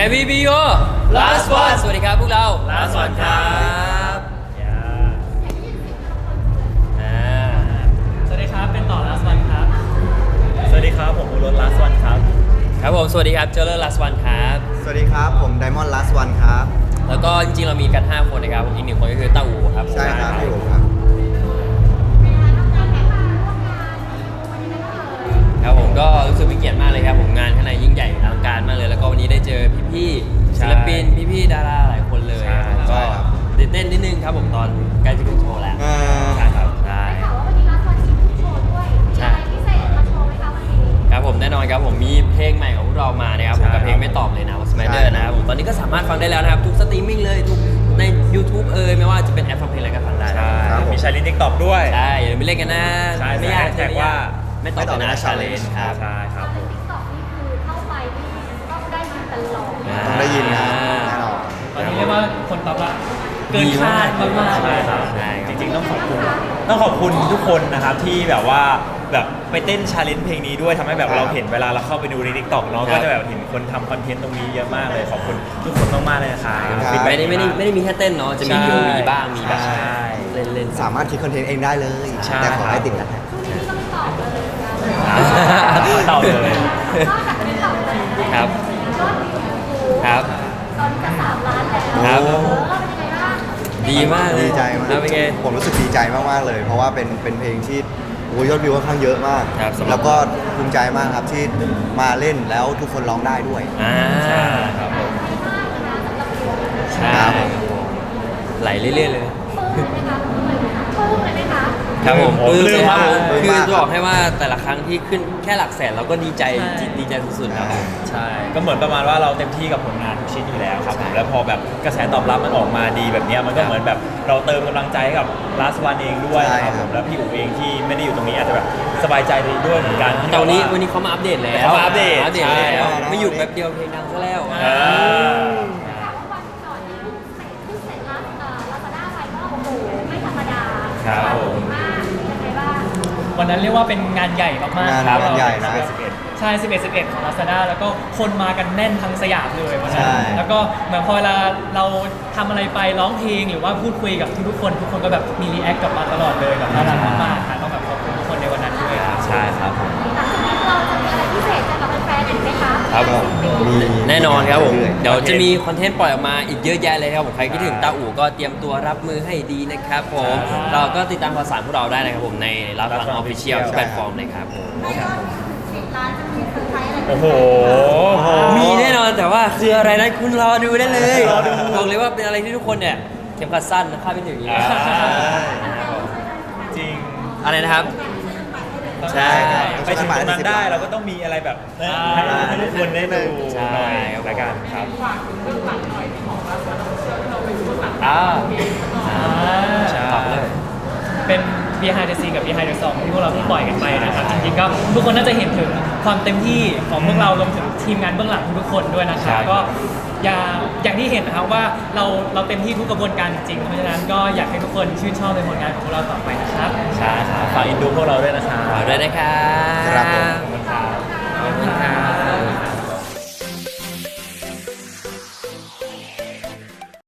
Can we be your last one สวัสดีครับพวกเรา last one ครับสวัสดีครับเป็นต่อ last one ครับสวัสดีครับผมอุรส last one ครับครับผมสวัสดีครับเจอร์เลอร์ last one ครับสวัสดีครับผมไดมอนด์ last one ครับแล้วก็จริงๆเรามีกัน5คนนะครับผมอีก1คนก็คือต้าอูครับใช่ครับพี่โอ๋ครับครับผมก็รู้สึกเป็นเกียรติมากเลยครับผมงานข้างในยิ่งใหญ่อลังการมากเลยแล้วก็วันนี้ได้เจอพี่ๆศิลปินพี่ๆดาราหลายคนเลยก็ตื่นเต้นนิดนึงครับผมตอนใกล้จะถึงโชว์แล้วใช่ครับใช่ครับผมแน่นอนครับผมมีเพลงใหม่ของพวกเรามานะครับผมกับเพลงไม่ตอบเลยนะว่า Smider นะครับผมตอนนี้ก็สามารถฟังได้แล้วนะครับทุกสตรีมมิ่งเลยทุกใน YouTube ไม่ว่าจะเป็นแอปฟังเพลงอะไรก็ฟังได้ใช่มีชาลิน TikTok ด้วยใช่อย่าลืมไปเล่นกันนะใช่ไม่ยากแท็กว่าไม่ตอบเลยนะ challenge ครับใช่ครับผมต้องได้ยินนะแน่นอนตอนนี้เรียกว่าคนตอบรับเกินคาดมากๆใช่ครับใช่จริงๆต้องขอบคุณทุกคนนะครับที่แบบว่าแบบไปเต้นชาเลนจ์เพลงนี้ด้วยทำให้แบบเราเห็นเวลาเราเข้าไปดูใน TikTok เนาะก็จะแบบเห็นคนทำคอนเทนต์ตรงนี้เยอะมากเลยขอบคุณทุกคนมากๆเลยนะครับไม่ได้มีแค่เต้นเนาะจะมี POV บ้างมีแบบใช่เล่นสามารถคิดคอนเทนต์เองได้เลยใช่แต่ขอให้ติดนะเต่าเลยครับครับตอนจะ3 ล้านแล้วครับเป็นยังไงบ้างดีมากเลยดีใจมากแล้วเป็นไงผมรู้สึกดีใจมากๆเลย เพราะว่าเป็นเพลงที่โอ้ยยอดวิวค่อนข้างเยอะมากครับสำหรับแล้วก็ภูมิใจมากครับที่มาเล่นแล้วทุกคนร้องได้ด้วยใช่ครับผมใช่ครับไหลเรื่อยๆเลยปลื้มไหมคะปลื้มเลยไหมคะครับผมโอ้ปลื้มเลยครับผมปลื้มคือมากจะบอกให้ว่าแต่ละครั้งที่ขึ้นแค่หลักแสนเราก็ดีใจดีใจสุดๆครับผมใช่ก็เหมือนประมาณว่าเราเต็มที่กับผลงานทุกชิ้นอยู่แล้วครับผมแล้วพอแบบกระแสตอบรับมันออกมาดีแบบเนี้ยมันก็เหมือนแบบเราเติมกำลังใจให้กับ last one เองด้วยนะครับผมแล้วพี่อู๋เองที่ไม่ได้อยู่ตรงนี้อาจจะแบบสบายใจดีด้วยเหมือนกันที่แต่วันนี้แบบวันนี้เขามาอัปเดตแล้วเขามาอัปเดตแล้วใช่ไม่หยุดแป๊บเดียวเพลงดังซะแล้วอ่าวันก่อนนี้เพิ่งเสร็จลาซาด้าไปก็โอ้โหไม่ธรรมดาครับผมมากเป็นยังไงบ้างวันนั้นเรียกว่าเป็นงานใหญ่มากๆงานใหญ่นะใช่ 11 ของ Lazada แล้วก็คนมากันแน่นทั้งสยามเลยวันนั้นใช่แล้วก็เหมือนพอเวลาเราทำอะไรไปร้องเพลงหรือว่าพูดคุยกับทุกๆคนทุกคนก็แบบมีรีแอคกลับมาตลอดเลยแบบน่ารักมากๆค่ะต้องแบบขอบคุณทุกคนในวันนั้นด้วยครับใช่ครับผมหลังจากนี้เราจะมีอะไรพิเศษจะกับแฟนๆอีกไหมคะครับผมมีแน่นอนครับผมรื่อยๆเดี๋ยวจะมีคอนเทนต์ปล่อยออกมาอีกเยอะแยะเลยครับผมใครคิดถึงตาอู่ก็เตรียมตัวรับมือให้ดีนะครับผมครับเราก็ติดตามข่าวสารพวกเราได้นะครับผมในรับฟังออฟฟิเชียลทุกแพลตฟอร์มเลยครับผมในยอด10 ล้านจะมีเซอร์ไพรส์อะไรโอ้โหมีแน่นอนแต่ว่าคืออะไรนั้นคุณรอดูได้เลยรอดูบอกเลยว่าเป็นอะไรที่ทุกคนเนี่ยเข็มขัดสั้นนะคาดไม่ถึงอย่างนี้ นะครับผมจริงอะไรนะครับ ใช่ไปถึงตรงนั้นได้เราก็ต้องมีอะไรแบบให้ทุกคนได้ดูใช่หน่อยละกันครับอ่าใช่ฝากเลยเป็น behind the scene กับ behind the song ที่พวกเราเพิ่งปล่อยกันไปนะครับจริงๆก็ทุกคนน่าจะเห็นถึงความเต็มที่ของพวกเรารวมถึงทีมงานเบื้องหลังทุกๆคนด้วยนะครับก็อย่างที่เห็นนะครับว่าเราเต็มที่ทุกกระบวนการจริงๆเพราะฉะนั้นก็อยากให้ทุกคนชื่นชอบในผลงานของพวกเราต่อไปนะครับใช่ครับฝากอินดูพวกเราด้วยนะครับฝากด้วยนะครับ